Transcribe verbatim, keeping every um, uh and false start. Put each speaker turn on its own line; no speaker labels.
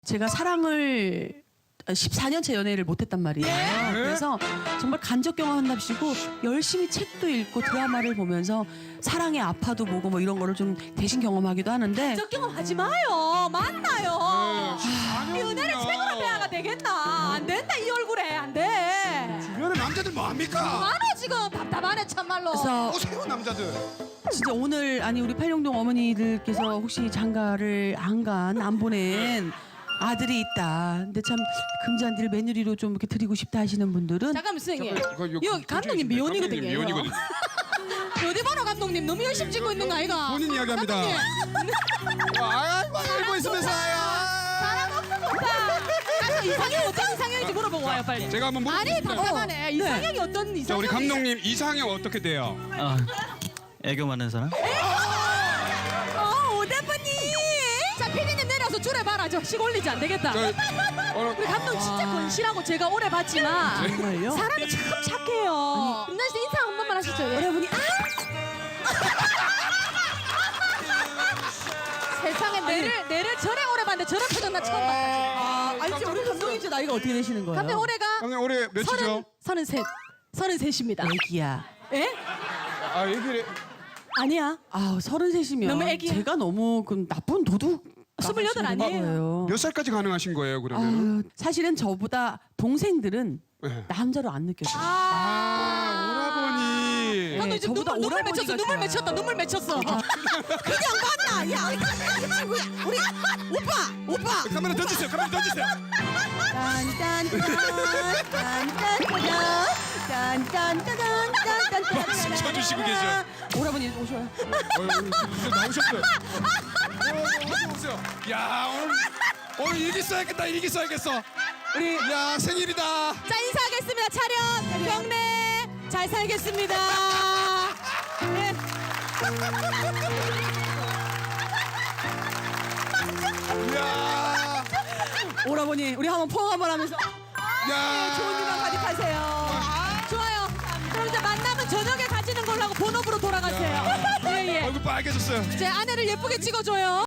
제가 사랑을 십사 년째 연애를 못했단 말이에요.
예?
그래서 정말 간접 경험한답시고 열심히 책도 읽고 드라마를 보면서 사랑의 아파도 보고 뭐 이런 거를 좀 대신 경험하기도 하는데
적 경험하지 마요. 만나요.
네,
이 은혜를 책으로 배아가 되겠나? 안 된다 이 얼굴에 안 돼.
주변에 남자들 뭐합니까?
많아 지금 답답하네 참말로.
그래서
오세요 남자들.
진짜 오늘 아니 우리 팔룡동 어머니들께서 혹시 장가를 안 간 안 보낸 아들이 있다. 근데 참 금잔디를 며느리로 좀 이렇게 드리고 싶다 하시는 분들은
잠깐만 선생님.
이거, 이거
이거 감독님 미혼이거든요.
감독님 미혼이거든요.
어디 보러 감독님 너무 열심히 찍고 있는 거 아이가?
본인 이야기합니다.
감독님.
아이고 알고 있으면서
사람 없어 좋다. 가서 이상형 어떤 이상형인지 물어보고 와요 빨리.
제가 한번
아니
물어보겠습니다.
답답하네. 이상형이 어떤 이상형?
자 우리 감독님 이상형 어떻게 돼요?
아, 애교 많은 사람?
어 오대분님. 자 피디님 내려서 줄에 봐라. 저 식 올리지 안 되겠다.
저, 어,
우리 감독 진짜 건실하고 제가 오래 봤지만
정말요?
사람이 참 착해요. 김난 씨 인사 한 번만 하시죠. 여러분이 아! 세상에 내를 내를 저래 오래 봤는데 저런 표정 나 처음 봤다.
아, 아니 지금 우리 감독님 이제 나이가 어떻게 되시는 거예요?
감독 올해가
감독님 올해 몇이죠?
서른 서른셋 서른셋입니다.
애기야.
예?
아 얘기를
아니야.
아 서른셋이면
너무 애기야.
제가 너무 그 나쁜 도둑
스물여덟 아니에요?
몇 살까지 가능하신 거예요 그러면?
아유, 사실은 저보다 동생들은
네.
남자로 안 느껴져요.
아 오라버니.
감독 이제
저보다
눈물 눈물
오라버니가
맺혔어. 눈물
좋아요.
맺혔다. 눈물 맺혔어. 그냥 봤나? 야, 이 친구야. 우리 오빠, 오빠.
카메라 던지세요. 카메라 던지세요. 박수 쳐주시고 계셔.
오라버니 오셔요.
어, 이제 나오셨어요. 어, 어서 오세요. 야 오늘 오늘 일기 써야겠다. 일기 써야겠어.
우리
야 생일이다.
자 인사하겠습니다. 차렷 경례 잘 살겠습니다. 네.
야,
오라버니 우리 한번 포옹 한번 하면서
야.
좋은 일만 가득하세요.
좋아요. 그럼 이제 만남은 저녁에 가지는 걸로 하고 본업으로 돌아가세요. 예예.
얼굴 빨개졌어요.
제 아내를 예쁘게 찍어줘요.